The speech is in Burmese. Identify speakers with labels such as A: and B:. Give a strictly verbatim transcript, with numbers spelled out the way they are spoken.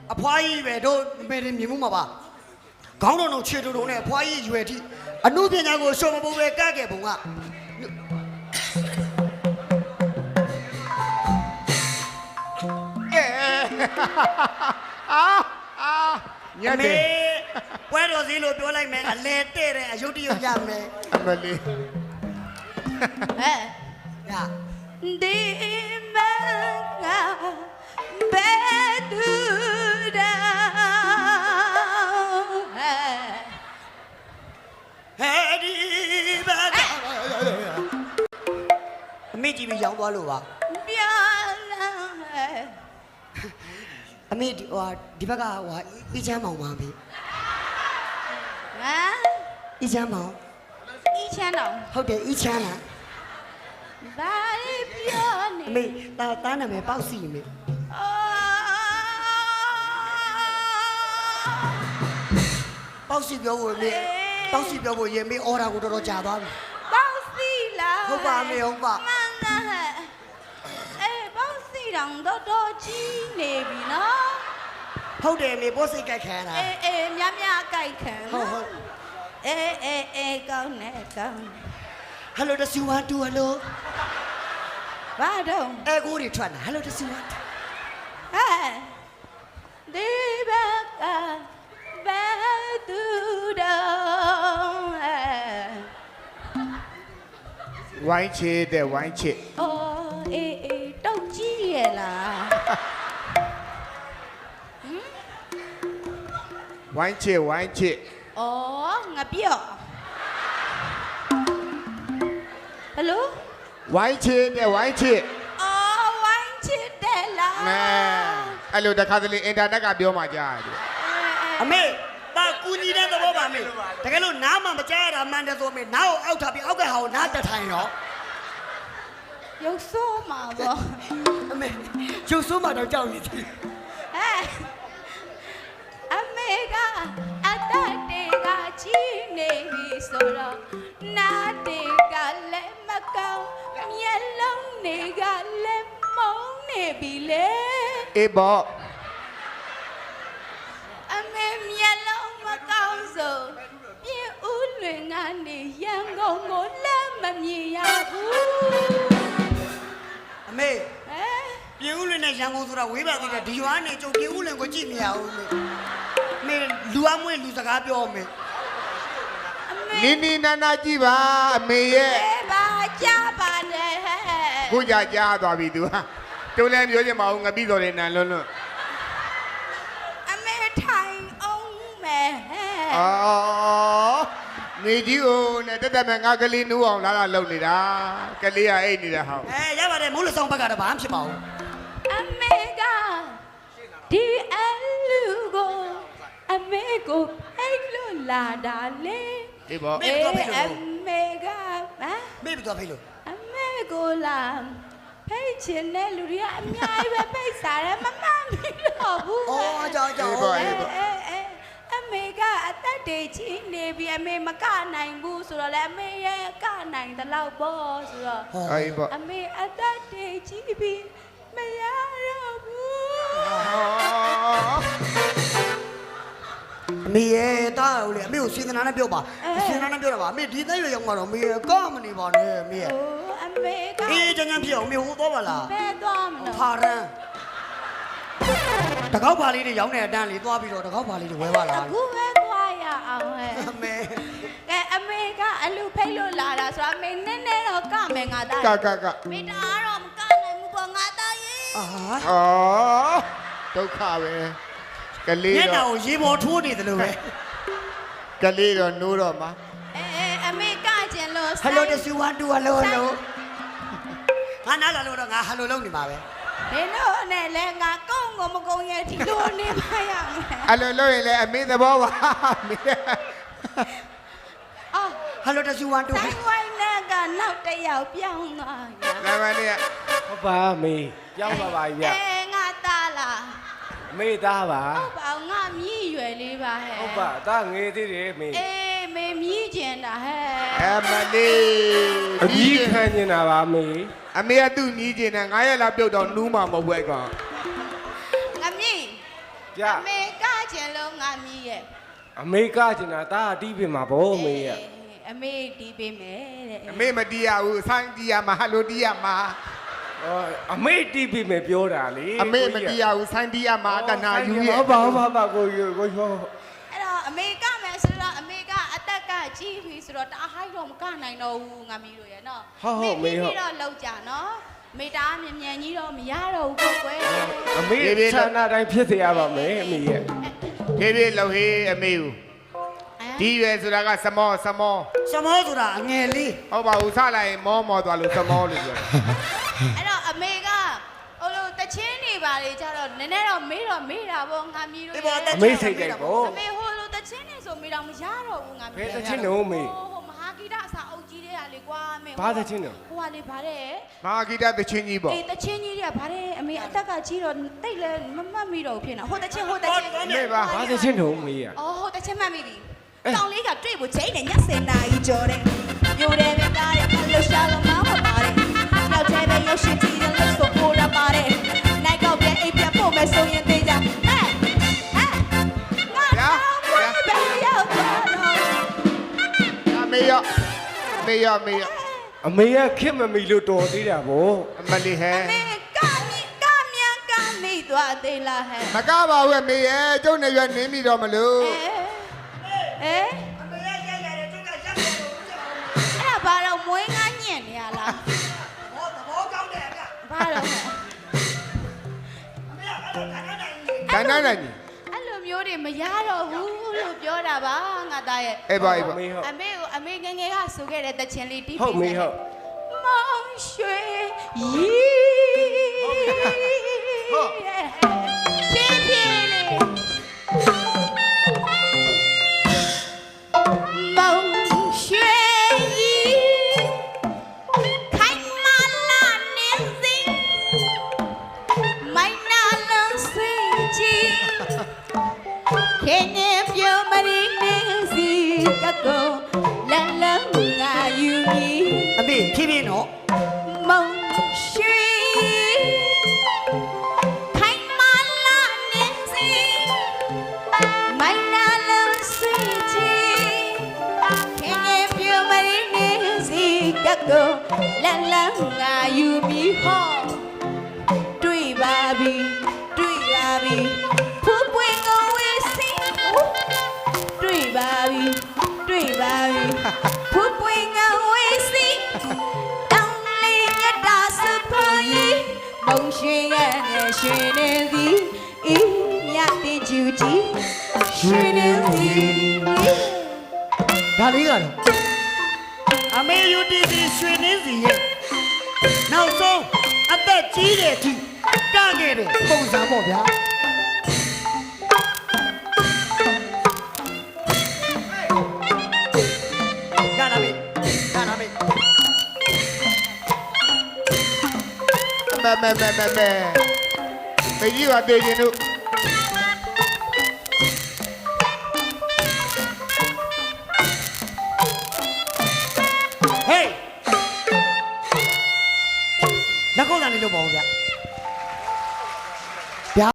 A: အဖွားကြီးပဲတို့မေရင်မြင်မှုမှာပါခေါင်းတော်တို့ခြေတော်တို့နဲ့အဖွားကြီးရွယ်ထိအမှုပညာကိုရှော့မဖို့ပဲကခဲ့ပုံက
B: အာအာညက်တယ်
A: ပွဲတော်စည်းလို့ပြောလိုက်မယ်အလဲတဲ့တဲ့အယုတ်တရရမယ်
B: အမလေး
C: ဟဲ့
A: ရ
C: ဒီမကဘယ်သူဒါ
A: ဟဲ့ဒီဘာအမေကြီးပြီးရောင်းသွားလို့ပါ
C: ပြလာ
A: အမေဟိုဒီဘက်ကဟိုအီချမ်းမောင်ပါပြီ
C: ဟမ်
A: အီချမ်းမောင်
C: အီချမ်းတော်
A: ဟုတ်တယ်အီချမ်းလား
C: ဘာပြောနေ
A: အမေတာတားနာမည်ပေါက်စီမေပေါက်စီပြောဖို့မေပေါက်စီပြောဖို့ရေမေအော်ဒါကိုတော်တော်ကြာသွားပြီ
C: ပေါက်စီလား
A: ဟုတ်ပါမေဟုတ်ပါ
C: မှန်တယ်အေးပေါက်စီတောင်တော်တော်ကြီးနေပြီနော်
A: ဟုတ်တယ်မေပို့စိတ်ကြိုက်ခံတာ
C: အေးအေးမြမြကြိုက်ခံ
A: ဟုတ်ဟုတ်
C: အေးအေးအေးကောင်းနေကောင်း
A: Hello တစီဝါတူ Hello
C: ဘာတော့
A: အဲကိုတွေထွက်လာ Hello တစီဝါ
C: ဟဲ့ဒီဘကဘယ်သူတော့
B: ဝိုင်းချစ်တဲ့ဝိုင်းချစ်
C: အော်အေးအေးတောက်ကြီးရဲ့လား
B: ဝိုင်းချစ်ဝိုင်းချစ်
C: အော်ငါပြော့ဟယ်လို
B: ဝိုင်းချစ်တဲ့ဝိုင်းချစ်
C: အော်ဝိုင်းချစ်တယ်လား
B: မဲအဲ့လိုတခါတလေအင်တာနက်ကပြောမှကြားရတယ်
A: အမေပါကူညီတဲ့သဘောပါမေတကယ်လို့နားမှမကြားရတာမှန်တယ်ဆိုမေနားကိုအောက်ထားပြီးအောက်ကဟာကိုနားတက်ထိုင်ရော
C: ရုပ်ဆိုးမှာပေါ့
A: အမေရုပ်ဆိုးမှာတော့ကြောက်နေတယ်
C: ဟဲ့အမေကအတတ်တွေကကြီးနေပြီဆိုတော့နားတွေကလည်းမကောင်းမျက်လုံးတွေကလည်းမုန်းနေပြီလေ
B: အေးပေါ့
C: အမေမျက်လုံးမကောင်းဆိုပြင်းဦးလွင်ကနေရန်ကုန်ကိုလည်းမမြင်ရဘူး
A: အမေဟမ်ပြင်းဦးလွင်နဲ့ရန်ကုန်ဆိုတာဝေးပါသေးတယ်ဒီရွာနေကျုပ်ပြင်းဦးလွင်ကိုကြည့်မရဘူးမေမေလူအမွေလူစကားပြောမေ
B: နီနီနာနာကြည့်ပါအမေရဲ့
C: ဘာကြားပါနဲ့ဟဲ့
B: ကိုကြကြားသွားပြီ तू ဟာတုံးလည်းပြောချင်မအောင်ငပိတော်တယ်နန်လွန်းလွန်း
C: အမေထိုင်အောင်မယ်ဟဲ့
B: အော်နေကြီးဦးနဲ့တက်တက်မဲ့ငါကလေးနူးအောင်လာလာလုံနေတာကလေးကအိတ်နေတာဟော
A: အဲရပါတယ်မိုးလဆောင်ဘက်ကတော့ဘာမှဖြစ်ပါဘူး
C: အမေကဒီအလူကိုအမေကိုဖိတ်လို့လာတာလေ
B: အေးပေါ့
A: မေတော့ဖိတ်လို့
C: အမေကဟမ်
A: မေတော့ဖိတ်လို့
C: အမေကိုလာဖိတ်ချင်တဲ့လူတွေကအများကြီးပဲဖိတ်စားတယ်မမှန်ဘူးတော့ဘူး
A: အော်ကြောင်ကြောင်
C: အေးအေးအမေကအသက်တွေကြီးနေပြီအမေမကနိုင်ဘူးဆိုတော့လေအမေရဲ့ကနိုင်တဲ့လောက်ပေါ့ဆိုတော့
B: အေးပေါ့
C: အမေအသက်တွေကြီးပြီမရတော့ဘူး
A: မေရဲ့တားဦးလေအမေကိုစင်သနာနဲ့ပြောပါစင်သနာနဲ့ပြောတာပါအမေဒီသက်ရွယ်ရောက်မှာတော့မေရဲ့ကောမနေပါနဲ့မေရဲ့
C: အမေက
A: အေးချမ်းချမ်းဖြစ်အောင်မေဟိုသွားပါလား
C: ဘယ်သွားမလို့
A: ဖာရန်တကောက်ပါလေးတွေရောင်းနေတဲ့အတန်းလေးသွားပြီးတော့တကောက်ပါလေးတွေဝဲပါလား
C: အခုပဲသွားရအောင်ဟဲ့
A: အမေ
C: ကဲအမေကအလူဖိတ်လို့လာတာဆိုတော့အမေနည်းနည်းတော့ကမယ်ငါသား
B: ကကက
C: မေတအားတော့မကနိုင်ဘူးပေါ့ငါသားရေ
A: အာ
B: အော်ဒုက္ခပဲကလေး
A: တော့ညနာကိုရေပေါ်ထိုးနေတယ်လို့ပဲ
B: ကလေးတော့နိုးတော့မှာ
C: အေးအမေကကျင်လို့
A: Hello တစီဝါတူဟယ်လိုဟယ်လိုငါနားလာလို့တော့ငါဟယ်လိုလုပ်နေပါပဲ
C: ဒီတော့နဲ့လဲငါကုန်းကိုမကုန်းရဲ့ဒီလိုနေပါရမယ်
B: အဲ့လိုလုပ်ရင်လည်းအမေသဘောပါမေ
C: အော်
A: Hello တစီဝါတူ
C: ဆိုင်ဝိုင်းနဲ့ကနောက်တစ်ယောက်ပြောင်းသွားရ
B: လာမနေ
D: ဟုတ်ပါမေပြောင်းပါပါဗျ
C: အေးငါသားလား
D: မေသားပါ
C: ဟုတ်ပါငါမြည်ရွယ်လေးပါဟဲ့
D: ဟုတ်ပါသားငေးသေးတယ်မေ
C: အေးမေမြည်ကျင်တာဟဲ့
B: အမလေး
D: အကြီးခံနေတာပါမေ
B: အမေကသူ့ညီးကျင်တယ်ငါရဲ့လာပြုတ်တော့နူးမှာမဟုတ်ဘူးအဲ့ကောင်
C: ငါမြည်
D: ပြ
C: အမေကကျင်လုံးငါမီးရဲ့
D: အမေကကျင်တာဒါအတီးပြင်မှာဗောအမေရဲ့
C: အမေတီးပေးမယ်တဲ့
B: အမေမတီးရဘူးဆိုင်းတီးရမှာဟယ်လိုတီးရမှာ
D: အော်အမေတီးပြင်မယ်ပြောတာလေ
B: အမေမတီးရဘူးဆိုင်းတီးရမှာတနာယူရဲ့
D: ဘာဘာဘာကိုကိုကိုဟော
C: အဲ့တော့အမေကမယ်ဆိုတော့အမေကအသက်ကကြီးပြီဆိုတော့တအားဟိုက်တော့မကနိုင်တော့ဘူးငါမီးတို့ရဲ့နော်ပြီးတော့လောက်ကြနော်မေတားမြန်မြန်ကြီးတော့မရတော့ဘူးကိုကွယ်
D: အမေဆန္ဒတိုင်းဖြစ်စေရပါမယ်အမေရဲ့
B: ဖြည်းဖြည်းလှုပ်ဟေးအမေကိုဒီရွယ်ဆိုတာကစမောစမော
A: စမောဆိုတာအငယ်လေး
B: ဟုတ်ပါဘူးစလိုက်ရင်မောမောသွားလို့စမောလို့ပြောတယ်
C: အဲ့တော့အမေကဟိုလိုတချင်းနေပါလေကြတော့နည်းနည်းတော့မေးတော့မေးတာပေါ့ငါမီးတို့ရဲ့
D: အမေစိတ်ကြိုက်ဗော
C: အမေဟိုလိုတချင်းနေဆိုမေးတော့မရတော့ဘူးငါမီး
D: ဘယ်တချင်းတော့အမေ
C: ဟိုမဟာဂီတအစာအုပ်ကြီးတဲ့ဟာလေကွာအမေ
D: ဘာတချင်းတော့
C: ဟိုဟာလေဗါတဲ့
B: မဟာဂီတသချင်းကြီးပေါ့
C: အေးတချင်းကြီးတွေကဗါတဲ့အမေအသက်ကကြီးတော့တိတ်လဲမမှတ်မိတော့ဘူးဖြစ်နေဟိုတချင်းဟိုတချင်း
B: အမေပါ
D: ဘာတချင်းတော့အမေရဲ့
C: အော်ဟိုတချင်းမှတ်မိပြီတောင်လေးကတွေ့ဖို့ချိန်နဲ့ညစင်နာကြီးကြော်တဲ့မျိုးတယ်ပဲကားတဲ့လှရှာလုံးမောင်းမပါတဲ့နောက်ထဲပဲရုပ်ရှင်ကြည့်တဲ့လို့ဆိုပေါ်ရပါတယ်နိုင်ကောက်ပြန်အိပ်ပြန်ဖို့မယ်ဆိုရင်သေးကြဟဲ့ဟဲ့ငါတော့ဘယ်ရောက်သွားတော့
B: အမေရောအမေရောအမေရော
D: အမေရဲ့ခစ်မမီလို့တော်သေးတာဗော
B: အမလီဟဲ
C: အမေကမြကမြန်ကမိသွားသေးလားဟဲ့
B: မကပါဘူးအမေရဲ့ကျုပ်နေရွယ်နင်းပြီတော့မလို့
C: အဲ
A: အမေရရိုက်ရတယ်ကျုပ်ကရက်တယ်လို့ဦးချက်အောင်
C: အဲ့ဒါဘာတော့မွေးငါညံ့နေရလား
A: ဘောသဘောကောင်းတယ်ဗျ
C: ဘာတော့ဟဲ့
A: အမေကအဲ့ဒါခဏနိုင်နေ
B: တန်းတန်းနိုင်ကြီး
C: အဲ့လိုမျိုးတွေမရတော့ဘူးလို့ပြောတာပါငါသားရဲ့
B: အေးပါအေးပါ
D: အမေဟုတ်
C: အမေကိုအမေငယ်ငယ်ကဆိုခဲ့တဲ့တချင်လေးတီး
D: ဟုတ်မေဟုတ်
C: မောင်ရွှေရီဟုတ်ဖြည်းဖြည်းလေးမောင်ရွှေရီခိုင်မာလာနေစီမိုင်းနာလုံးစီချီခင်နေပြုံးမရီနေစီကကောလလငါယူမီ
A: အမေဖြည်းဖြည်းနော်
C: 梦许开满了年纪，买那了水晶，天天表妹年纪个个啦啦啊有米好，对吧比对吧比，不会我微信，对吧比对吧比，不会我微信。梦寻眼的寻人的，一样的纠结，寻人的。
A: ဒါလေးကတော့အမေယူတီစီရွှေနှင်းစီရဲ့နောက်ဆုံးအသက်ကြီးတဲ့အထိကခဲ့တဲ့ပုံစံပေါ့ဗျာရလာပြီရလာပြီ
B: မဲမဲမဲမဲမဲမေကြီးကတည်ရင်တို့
A: ဟေးလက်ကုပ်တန်လေးလုပ်ပါဦးဗျ